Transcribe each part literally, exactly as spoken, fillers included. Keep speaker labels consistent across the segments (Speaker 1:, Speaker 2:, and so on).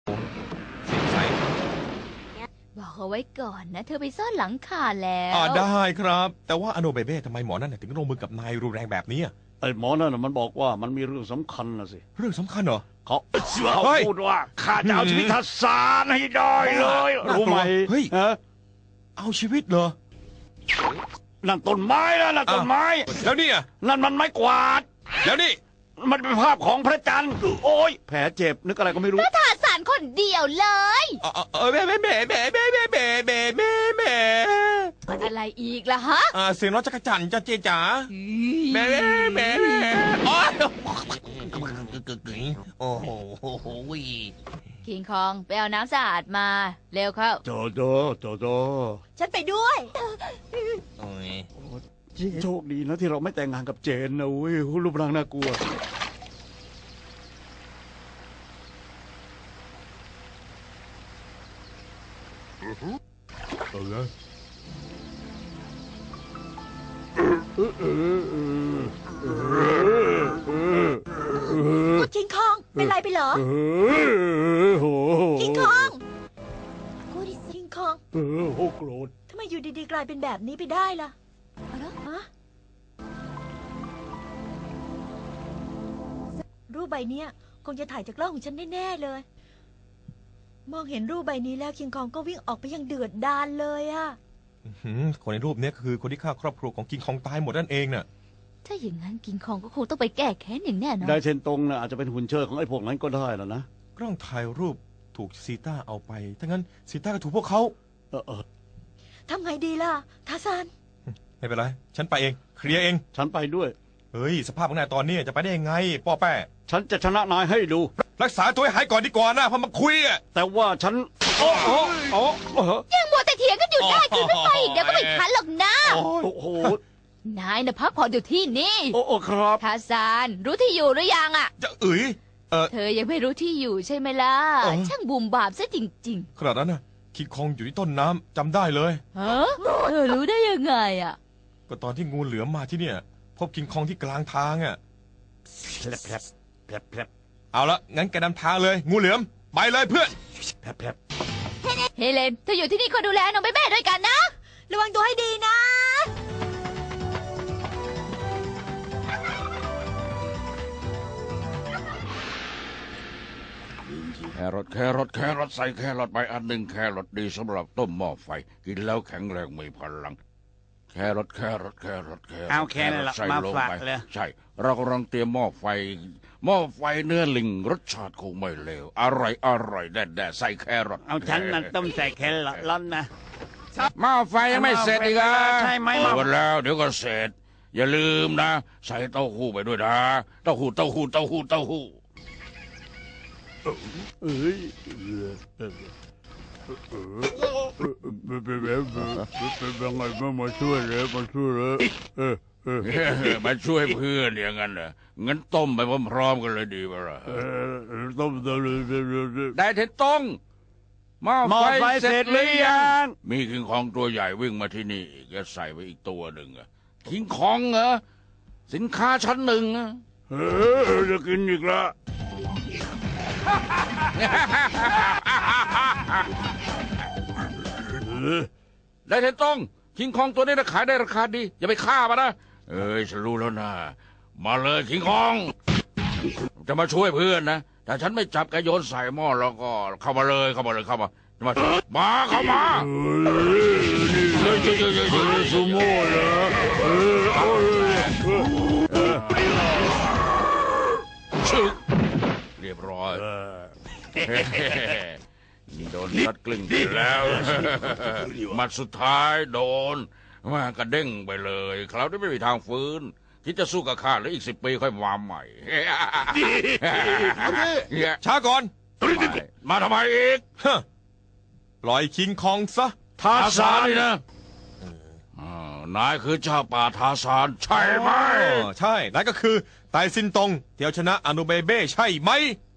Speaker 1: เสียงใส
Speaker 2: บอกเอาไว้ก่อนนะเธอไปซ่อนหลังคาแล้ว
Speaker 1: อ่าได้ครับแต่ว่าอโนเบเบ้ทำไมหมอนั่นถึงลงมือกับนายรุนแรงแบบนี้
Speaker 3: ไอ้หมอนั่นมันบอกว่ามันมีเรื่องสำคัญนะสิ
Speaker 1: เรื่องสำคัญเหรอ
Speaker 3: เขาเขาพูดว่าข้าจะเอาชีวิตทัศสารให้ได้เลยรู้ไหม
Speaker 1: เฮ้ยเอาชีวิตเหรอ
Speaker 3: นั่นต้นไม้นะนั่นต้นไม้
Speaker 1: แล้วนี่อ่ะ
Speaker 3: นั่นมันไม้กวาด
Speaker 1: แล้วนี่
Speaker 3: มันเป็นภาพของพระจันทร์โอ้ยแผลเจ็บนึกอะไรก็ไม่รู้
Speaker 2: ก็ทาสารคนเดียวเลย
Speaker 1: เออเออแม่แม่แม่แม่แม่แม่แม่แม่แม่แม่
Speaker 2: อะไรอีกล่ะฮะ
Speaker 1: อ่าเสียงน้องจักรจันจ้าเจจ๋าแม่แม่แม่แม่โอ้ยโอ้โห
Speaker 2: คิงคองไปเอาน้ำสะอาดมาเร็วเข้า
Speaker 3: โจโจโจโจ
Speaker 2: ฉันไปด้วย
Speaker 3: โชคดีนะที่เราไม่แต่งงานกับเจนนะเว้ยรูปร่างน่ากลัวเอาละ
Speaker 2: คิงคองเป็นไรไปเหรอคิงคองกูดิคิงคอง
Speaker 3: เออโอ้โกรธ
Speaker 2: ทำไมอยู่ดีๆกลายเป็นแบบนี้ไปได้ล่ะอะไรฮะรูปใบนี้คงจะถ่ายจากกล้องของฉันแน่ๆเลยมองเห็นรูปใบนี้แล้วคิงคองก็วิ่งออกไปยังเดือดดาลเลยอะ
Speaker 1: คนในรูปนี้คือคนที่ฆ่าครอบครัวของคิงคองตายหมดนั่นเองน่ะ
Speaker 2: ถ้าอย่างนั้นคิงคองก็คงต้องไปแก้แค้นอย่างแน่นอน
Speaker 3: ได้เชนตงนะอาจจะเป็นหุ่นเชิดของไอ้พวกนั้นก็ได้แล้วนะ
Speaker 1: กล้องถ่ายรูปถูกซีต้าเอาไปถ้างั้นซีต้าก็ถูกพวกเขา
Speaker 3: เออเออ
Speaker 2: ทำไงดีล่ะทาซาน
Speaker 1: ไม่เป็นไรฉันไปเองเคลียร์เอง
Speaker 3: ฉันไปด้วย
Speaker 1: เฮ้ยสภาพของนายตอนนี้จะไปได้ยังไงป้อแป้
Speaker 3: ฉันจะชนะนายให้ดู
Speaker 1: รักษาตัวให้หายก่อนดีกว่านะพอมาคุยอะ
Speaker 3: แต่ว่าฉันโอ้โหโอ้
Speaker 2: ยังมัวแต่เถียงกันอยู่ได้คือไม่ไปอีกเดี๋ยวก็ไม่ทันหรอกนะ
Speaker 3: โอ้โห
Speaker 2: นายนะพักผ่อนอยู่ที่นี่
Speaker 3: โอ้โหครับ
Speaker 2: ทาซานรู้ที่อยู่หรือยังอ่ะ
Speaker 1: จะเอ๋ยเออ
Speaker 2: เธอยังไม่รู้ที่อยู่ใช่ไหมล่ะช่างบุ่มบามซะจริง
Speaker 1: ๆขนาดนั้นนะคิงคองอยู่ที่ต้นน้ำจำได้เลย
Speaker 2: ฮะเธอรู้ได้ยังไงอ่ะ
Speaker 1: ก็ตอนที่งูเหลือมมาที่เนี่ยพบคิงคองที่กลางทางอ่ะ
Speaker 3: แผลบแผลบแผลบแผลบ
Speaker 1: เอาละงั้นแกนำทางเลยงูเหลือมไปเลยเพื่อน
Speaker 3: แผลบแผลบ
Speaker 2: เฮเลนเธออยู่ที่นี่คอยดูแลน้องเบเบ้ด้วยกันนะระวังตัวให้ดีนะ
Speaker 4: แครอทแครอทแครอทใส่แครอทไปอันหนึ่งแครอทดีสำหรับต้มหม้อไฟกินแล้วแข็งแรงมีพลังแครอทแครอทแครอทแครอท
Speaker 3: เอาแค่นั้น
Speaker 4: ใส่
Speaker 3: มา
Speaker 4: ลง
Speaker 3: ฝาก
Speaker 4: ไป
Speaker 3: เลย
Speaker 4: ใช่เรากำลังเตรียมหม้อไฟหม้อไฟเนื้อลิงรสชาติคงไม่เลวอร่อยอร่อยแด่ๆใส่แครอท
Speaker 3: เอาฉันนั่นต้มใส่แครอทร้อนนะ
Speaker 4: หม้อไฟยังไม่เสร็จอีกอ่ะ
Speaker 3: ใช่ไหม
Speaker 4: หมดแล้วเดี๋ยวก็เสร็จอย่าลืมนะใส่เต้าหู้ไปด้วยนะเต้าหู้เต้าหู้เต้าหู้เต้าหู้
Speaker 3: เอ้ยเป็นแบบเป็นยังไงมามาช่วยเลยมาช่วยเลยเออเออ
Speaker 4: มาช่วยเพื่อนอย่างนั้นเหรองั้นต้มไปพร้อมๆกันเลยดีป่ะล่ะ
Speaker 3: ต้มเลย
Speaker 4: ได้เท็ดต้งหม้อไฟเสร็จหรือยังมีคิงคองตัวใหญ่วิ่งมาที่นี่แกใส่ไปอีกตัวหนึ่งอะคิงคองเหรอสินค้าชั้นหนึ่งอะ
Speaker 3: เออจะกินอีกละ
Speaker 4: ได้เท็ดต้งคิงคองตัวนี้นะขายได้ราคาดีอย่าไปฆ่ามันนะเอ้ยฉันรู้แล้วนะมาเลยคิงคองจะมาช่วยเพื่อนนะแต่ฉันไม่จับแกโยนใส่หม้อแล้วก็เข้ามาเลยเข้ามาเลยเข้ามามามาเข้ามา
Speaker 3: เฮ้ยเฮ้ยเฮ้ยเฮ้ยซูโม่เหรอ
Speaker 4: ชึกเรียบร้อยโดนซัดกลึงไปแล้วมัดสุดท้ายโดนมากระเด้งไปเลยคราวนี้ไม่มีทางฟื้นคิดจะสู้กับข้าแล้วอีกสิบปีค่อยมาใหม่
Speaker 1: ช้าก่อน
Speaker 4: มาทำไมอีก
Speaker 1: ปล่อยคิงคองซะ
Speaker 4: ทาซานนี่นะนายคือเจ้าป่าทาซานใช่ไหม
Speaker 1: ใช่นายก็คือไตซินตงเที่ยวชนะอนุเบเบ้ใช่ไหม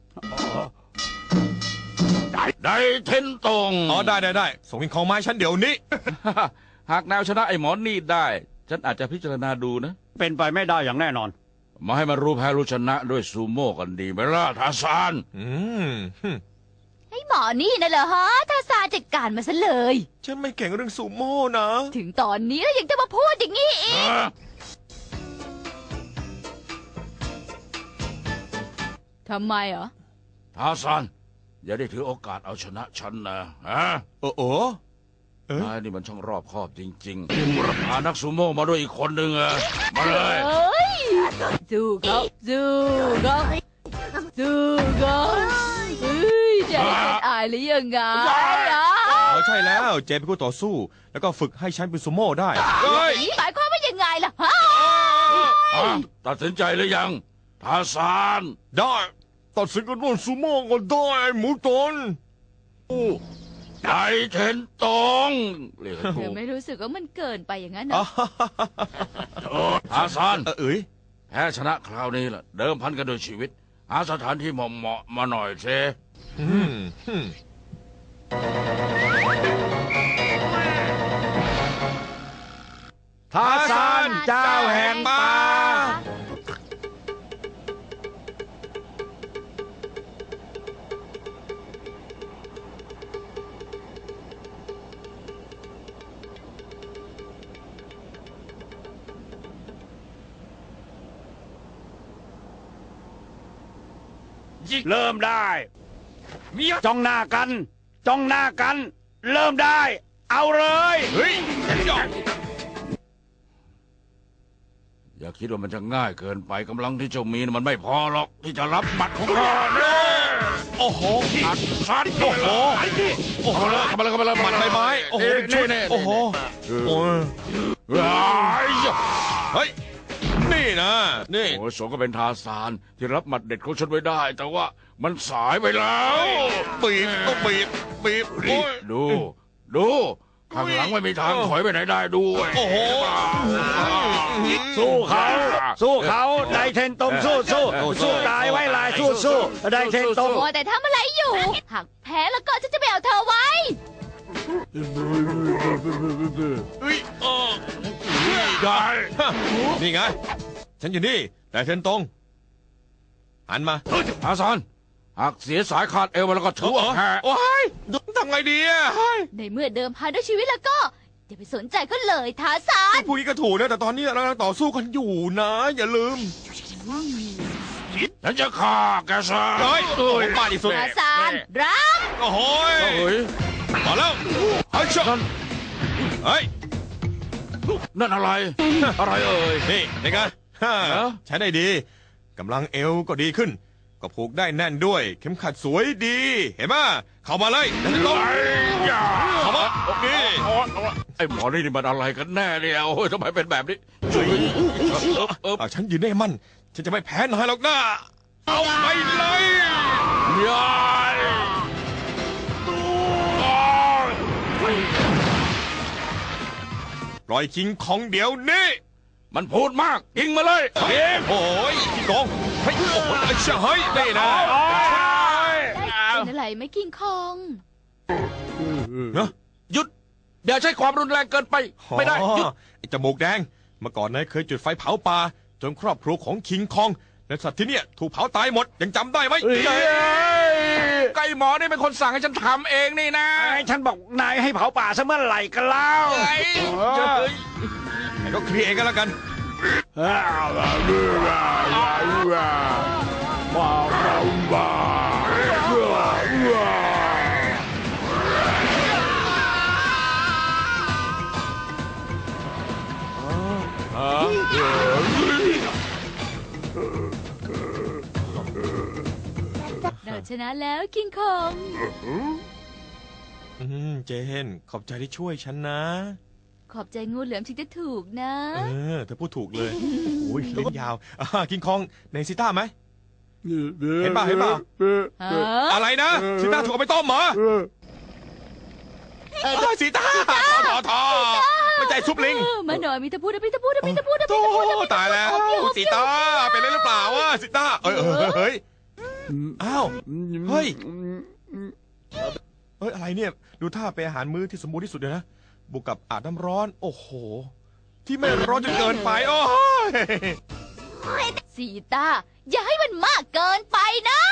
Speaker 4: ได้เทนตง
Speaker 1: อ๋อได้ได้ได้ส่งคิงคองมาฉันเดี๋ยวนี้
Speaker 4: หากแนวชนะไอ้หมอนี่ได้ฉันอาจจะพิจารณาดูนะ
Speaker 3: เป็นไปไม่ได้อย่างแน่นอน
Speaker 4: มาให้มันรู้แพ้รู้ชนะด้วยซูโม่กันดีไหมล่ะทาซาน
Speaker 1: อืม
Speaker 2: ไอ้
Speaker 5: อนี่นะเหรอฮะทาซานจัดการมาซะเลย
Speaker 1: ฉันไม่เก่งเรื่องซูโม่นะ
Speaker 5: ถึงตอนนี้แล้วยังจะมาพูดอย่างนี้อีกทำไมเหรอ
Speaker 4: ทาซานอย่าได้ถือโอกาสเอาชนะฉันนะฮะ
Speaker 1: โอ้โหเอ้ย
Speaker 4: นายนี่มันช่างรอบคอบจริงๆพานักซูโม่มาด้วยอีกคนหนึ่งอะมาเลย
Speaker 5: เอ้ยสู้เขาสู้เขาสู้เขาเฮ้ยจะให้ฉันอายหรือยังไงอ่ะ
Speaker 1: เอาใช่แล้วเจนเป็นคู่ต่อสู้ แล้วก็ฝึกให้ฉันเป็นซูโม่ได้
Speaker 4: เฮ้ย
Speaker 5: หมายความว่ายังไงล่ะฮะ
Speaker 4: อ่ะตัดสินใจหรือยังทาซาน
Speaker 1: ได้ตัดสินกันว่าซูโม่ก็ได้หมูตน
Speaker 4: ไดเทนตองเรียกให้ถู
Speaker 5: เดี๋ยว
Speaker 4: ก
Speaker 5: ไม่รู้สึกว่ามันเกินไปอย่างนั้นนะ
Speaker 4: ทาซาน
Speaker 1: เออเอ้ย
Speaker 4: แพ้ชนะคราวนี้ล่ะเดิมพันกันด้วยชีวิต หาสถานที่เหมาะๆมาหน่อยเซ
Speaker 1: อืมอืม
Speaker 6: ทาซานเจ้าแห่งป่า เริ่มได้จ้องหน้ากัน จ้องหน้ากัน เริ่มได้ เอาเลย
Speaker 1: เฮ้ยยอด
Speaker 4: อย่าคิดว่ามันจะง่ายเกินไปกำลังที่เจ้ามีน่ะมันไม่พอหรอกที่จะรับบัตรของข้าเนี่ย
Speaker 1: โอ้โห
Speaker 4: อัดซัดโอ้โห
Speaker 1: โอ้โห
Speaker 4: เข้ามาเลยเข้ามาเลย
Speaker 1: หมัดใบไม้โอ้โห
Speaker 4: นี่นี่
Speaker 1: โอ้โหโอ้ย เฮ้ย นี่นะ นี่
Speaker 4: โอ้ยสมก็เป็นทาซานที่รับหมัดเด็ดของฉันไว้ได้ แต่ว่ามันสายไปแล้ว
Speaker 1: บีบต้องบีบ บีบโอ้ย
Speaker 4: ดู ดู ข้างหลังไม่มีทางถอยไปไหนได้ด้วย
Speaker 1: โอ้โห
Speaker 6: สู้เขา สู้เขาไดเทนตงสู้สู้สู้ตายไว้ลายสู้สู้ไดเทนตง
Speaker 5: โอ้แต่ทำอะไรอยู่ หากแพ้แล้วก็ฉันจะไปเอาเธอไว้
Speaker 1: เฮ้ยเออ
Speaker 4: ได้
Speaker 1: นี่ไง ฉันอยู่นี่แต่เทนตรง หันมา
Speaker 4: ทาซานหากเสียสายขาดเอวไปแล้วก็ถือว่าแพ้
Speaker 1: โอ้ยทำไงดีอ่ะ
Speaker 5: ในเมื่อเดิมพันด้วยชีวิตแล้วก็อย่าไปสนใจก็เลยทาซาน
Speaker 1: พูดงี้ก็ถูกนะ แต่ตอนนี้เรากำลังต่อสู้กันอยู่นะ อย่าลืม
Speaker 4: ฉันจะฆ่าแกซะ
Speaker 1: เฮ้ยโอ้ยปาดอีกสุด
Speaker 5: ทาซานรับ
Speaker 1: โอ้โหย
Speaker 4: เฮ้ย
Speaker 1: มาแล้วเฮ้ยชนเฮ้ย
Speaker 4: นั่นอะไร อะไรเอ่ย
Speaker 1: นี่เป็นไงฮ่า
Speaker 4: เหรอ
Speaker 1: ใช้ได้ดี กำลังเอวก็ดีขึ้น ก็ผูกได้แน่นด้วย เข็มขัดสวยดี เห็นไหมเข้ามาเลยเดี๋ยวจะลง
Speaker 4: ไอ้ยา
Speaker 1: เข้ามานี่
Speaker 4: ไอ้หมอนี่นี่มันอะไรกันแน่เนี่ยโอ้ยทำไมเป็นแบบนี้จุ๊ยเออเออ
Speaker 1: เอาฉันยืนได้มั่น ฉันจะไม่แพ้นายหรอกนะเอาไปเลย
Speaker 4: ยาย
Speaker 1: ปล่อยคิงของเดี๋ยวนี้
Speaker 4: มันพูดมากยิงมาเลยยิง
Speaker 1: โอ้ยพี่กองเฮ้ยโอ้โหเชื่อเฮ้ยนี่นะ
Speaker 5: เป็นอะไรไหม่คิงคอง
Speaker 1: เนอะ
Speaker 4: หยุดอย่าใช้ความรุนแรงเกินไปไม่ได้หยุด
Speaker 1: อ๋อไอ้จมูกแดงเมื่อก่อนนายเคยจุดไฟเผาป่าจนครอบครัวของคิงคองและสัตว์ที่เนี่ยถูกเผาตายหมดยังจำได้ไหม
Speaker 4: ไก่หมอนี่เป็นคนสั่งให้ฉันทำเองนี่นะ
Speaker 6: ไอ้ฉันบอกนายให้เผาป่าซะเมื่อไหร่กันแล้ว
Speaker 4: ไอ้
Speaker 1: ไอ้ก็เคลียร์เองกันแล้วกัน
Speaker 5: เราชนะแล้วคิงคอง
Speaker 1: อืมเจนขอบใจที่ช่วยฉันนะ
Speaker 5: ขอบใจงูเหลือมถึงจะถูกนะ
Speaker 1: เออเธอพูดถูกเลยโอ้ยลิ้นยาวอ่ากิงคองในซิต้าไหม เห็นป่ะเห็นป่ะ
Speaker 5: ฮะ
Speaker 1: อะไรนะซิต้าถูกเอาไปต้มเหรอเออซิต้าทอทอไม่ใจซุปลิง
Speaker 5: เออมาหน่อยมีตะพูดนะมีตะพูดนะมีตะพูดนะ
Speaker 1: โธ่ตายแล้วซิต้าเป็นอะไรหรือเปล่าวะซิต้าเอ้ยเอ้ยเฮ้ยอ้าวเฮ้ยเฮ้ยอะไรเนี่ยดูท่าเป็นอาหารมื้อที่สมบูรณ์ที่สุดเลยนะบวกกับอาบน้ำร้อน โอ้โห ที่ไม่ร้อนจนเกินไปโอ้ย
Speaker 5: สีตาอย่าให้มันมากเกินไปนะ